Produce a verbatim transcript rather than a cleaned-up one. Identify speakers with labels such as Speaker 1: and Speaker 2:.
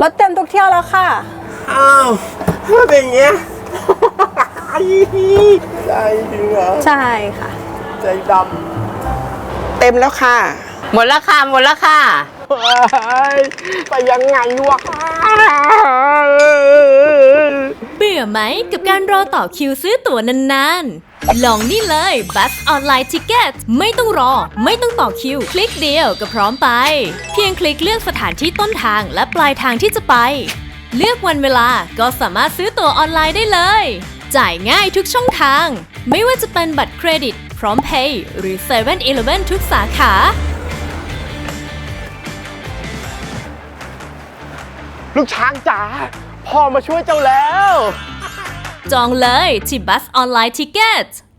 Speaker 1: รถเต็มทุกเที่ยวแล้วค่ะ
Speaker 2: อ้าวเป็นอย่างเงี้ยใจจริงเหรอ
Speaker 1: ใช่ค่ะ
Speaker 2: ใจดำเต็มแล้วค่ะ
Speaker 3: หมดแล้วค่ะหมดแล้วค่ะ
Speaker 2: ไปยังไงวะ
Speaker 4: เบื่อไหมกับการรอต่อคิวซื้อตั๋วนานๆลองนี่เลยบัสออนไลน์ทิเก็ตไม่ต้องรอไม่ต้องต่อคิวคลิกเดียวก็พร้อมไปเพียงคลิกเลือกสถานที่ต้นทางและปลายทางที่จะไปเลือกวันเวลาก็สามารถซื้อตั๋วออนไลน์ได้เลยจ่ายง่ายทุกช่องทางไม่ว่าจะเป็นบัตรเครดิตพร้อมเพย์หรือเซเว่นอีเลฟเว่นทุกสาขา
Speaker 2: ลูกช้างจ๋าพ่อมาช่วยเจ้าแล้ว
Speaker 4: จองเลยที่บัสออนไลน์ทิเก็ต